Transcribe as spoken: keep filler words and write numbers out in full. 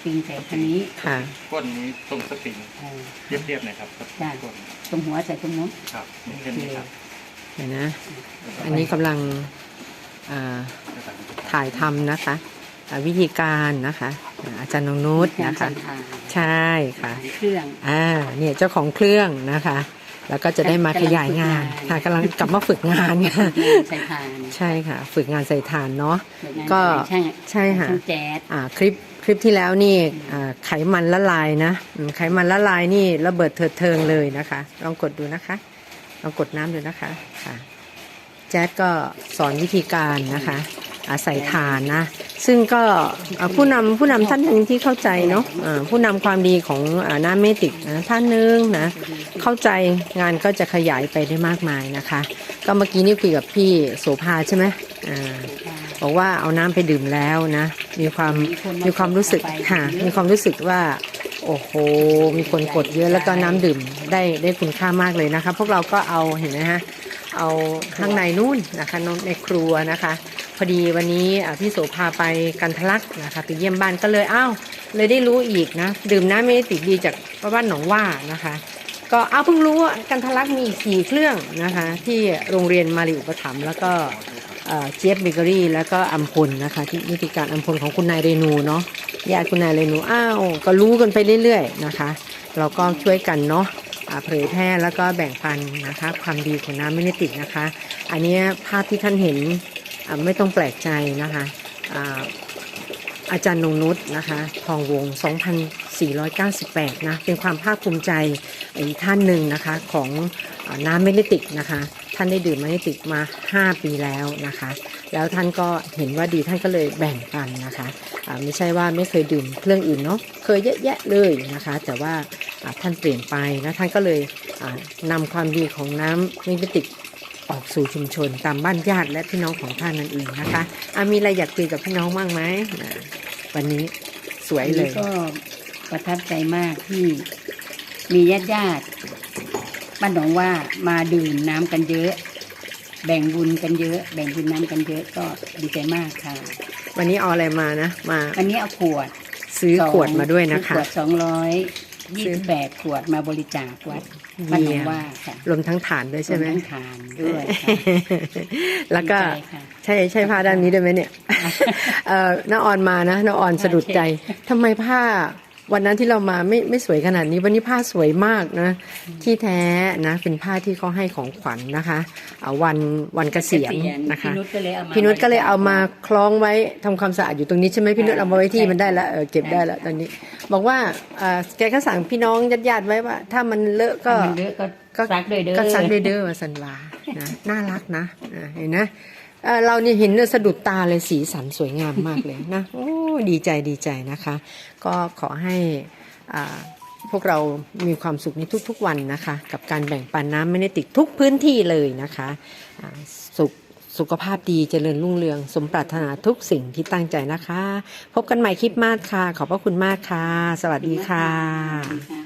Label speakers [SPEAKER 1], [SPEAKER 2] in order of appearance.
[SPEAKER 1] ปริงใส่คันนี้
[SPEAKER 2] ค่ะ
[SPEAKER 3] ก้นนี้ตรงสปริงเรียบๆหน่อยครับ
[SPEAKER 1] จ้าตรงหัวใส่ตรงนู้น
[SPEAKER 3] ครับเช่นนี้ครับ
[SPEAKER 2] เห็นนะอันนี้กำลังถ่ายทำนะคะวิธีการนะคะอาจารย์นงนุชนะคะใช่ค่ะ
[SPEAKER 1] เครื่อง
[SPEAKER 2] อ่าเนี่ยเจ้าของเครื่องนะคะแล้วก็จะได้มาขยายงานค่ะกำลังกลับมาฝึกงานค่ะ
[SPEAKER 1] ใส่ถ่าน
[SPEAKER 2] ใช่ค่ะฝึกงานใส่ถ่านเนาะก็ใช่ค่ะอ่าคลิปคลิปที่แล้วนี่ไขมันละลายนะไขมันละลายนี่ระเบิดเถิดเทิงเลยนะคะลองกดดูนะคะลองกดน้ำดูนะคะค่ะแจ๊ดก็สอนวิธีการนะคะใส่ถ่านนะซึ่งก็ผู้นำผู้นำท่านหนึ่งที่เข้าใจเนาะผู้นำความดีของน้ำเมติกนะท่านหนึ่งนะเข้าใจงานก็จะขยายไปได้มากมายนะคะก็เมื่อกี้นี่คุยกับพี่โสภาใช่ไหมอ่าบอกว่าเอาน้ำไปดื่มแล้วนะมีความมีความรู้สึกค่ะมีความรู้สึกว่าโอ้โหมีคนกดเยอะแล้วก็น้ำดื่มได้ได้คุณค่ามากเลยนะคะพวกเราก็เอาเห็นไหมฮะเอาข้างในนู่นนะคะในครัวนะคะพอดีวันนี้พี่โสภาไปกันทะลักนะคะไปเยี่ยมบ้านก็เลยอ้าวเลยได้รู้อีกนะดื่มน้ำเมติกดีจากบ้านหนองว่านะคะก็อ้าวเพิ่งรู้ว่ากันทะลักมีอีกสี่เครื่องนะคะที่โรงเรียนมาริอุปถัมภ์แล้วก็เจี๊ยบเบเกอรี่แล้วก็อัมพลนะคะที่นิติการอัมพลของคุณนายเรนูเนาะญาติคุณนายเรนูอ้าวก็รู้กันไปเรื่อยๆนะคะเราก็ช่วยกันเนาะเผยแพร่แล้วก็แบ่งปันนะคะความดีของน้ำเมติกนะคะอันนี้ภาพที่ท่านเห็นไม่ต้องแปลกใจนะคะอาจารย์นงนุชนะคะทองวงสองพันสี่ร้อยเก้าสิบแปดนะเป็นความภาคภูมิใจอีกท่านหนึ่งนะคะของน้ำเมติกนะคะท่านได้ดื่มเมติกมาห้าปีแล้วนะคะแล้วท่านก็เห็นว่าดีท่านก็เลยแบ่งปันนะคะไม่ใช่ว่าไม่เคยดื่มเครื่องอื่นเนาะเคยเยอะแยะเลยนะคะแต่ว่าท่านเปลี่ยนไปนะท่านก็เลยนำความดีของน้ำเมติกออกสู่ชุมชนตามบ้านญาติและพี่น้องของท่านนั่นเองนะคะมีอะไรอยากคุยกับพี่น้องบ้างไหมวันนี้สวยเลย
[SPEAKER 1] ก็ประทับใจมากที่มีญาติญาติบ้านหนองว่ามาดื่มน้ำกันเยอะแบ่งบุญกันเยอะแบ่งบุญน้ำกันเยอะก็ดีใจมากค่ะ
[SPEAKER 2] วันนี้เอาอะไรมานะมา
[SPEAKER 1] วันนี้เอาขวด
[SPEAKER 2] ซื้อขวดมาด้วยนะคะ
[SPEAKER 1] ขวดสองร้อยยี่สิบแปดขวดมาบริจาควัดบ้านหนองว่าค่ะ
[SPEAKER 2] รวมทั้งฐานด้วยใช่ไหม
[SPEAKER 1] รวมทั้งฐานด้วย
[SPEAKER 2] แล้วก็ใช่ใช่ผ้าด้านนี้ด้วยไหมเนี่ยน้าออนมานะน้าออนสะดุดใจทำไมผ้าวันนั้นที่เรามาไม่ไม่สวยขนาดนี้วันนี้ผ้าสวยมากนะที่แท้นะเป็นผ้าที่เขาให้ของขวัญนะคะวันวันเกษียณนะคะพี่นุชก็เลยเอามาคล้องไว้ทำความสะอาดอยู่ตรงนี้ใช่ไหมพี่นุชเอามาไว้ที่มันได้แล้วเออเก็บได้แล้วตอนนี้บอกว่าแกก็สั่งพี่น้องญาติๆไว้ว่าถ้ามันเลอะก็
[SPEAKER 1] ก็ซักด้วยเด้อ
[SPEAKER 2] ก็ซักด้วยเด้อว่าสันวานะน่ารักนะเห็นนะเรานี่เห็นสะดุดตาเลยสีสันสวยงามมากเลยนะโอ้ดีใจดีใจนะคะก็ขอให้พวกเรามีความสุขในทุกๆวันนะคะกับการแบ่งปันน้ำเมติกทุกพื้นที่เลยนะคะสุขสุขภาพดีเจริญรุ่งเรืองสมปรารถนาทุกสิ่งที่ตั้งใจนะคะพบกันใหม่คลิปมากค่ะขอบพระคุณมากค่ะสวัสดีค่ะ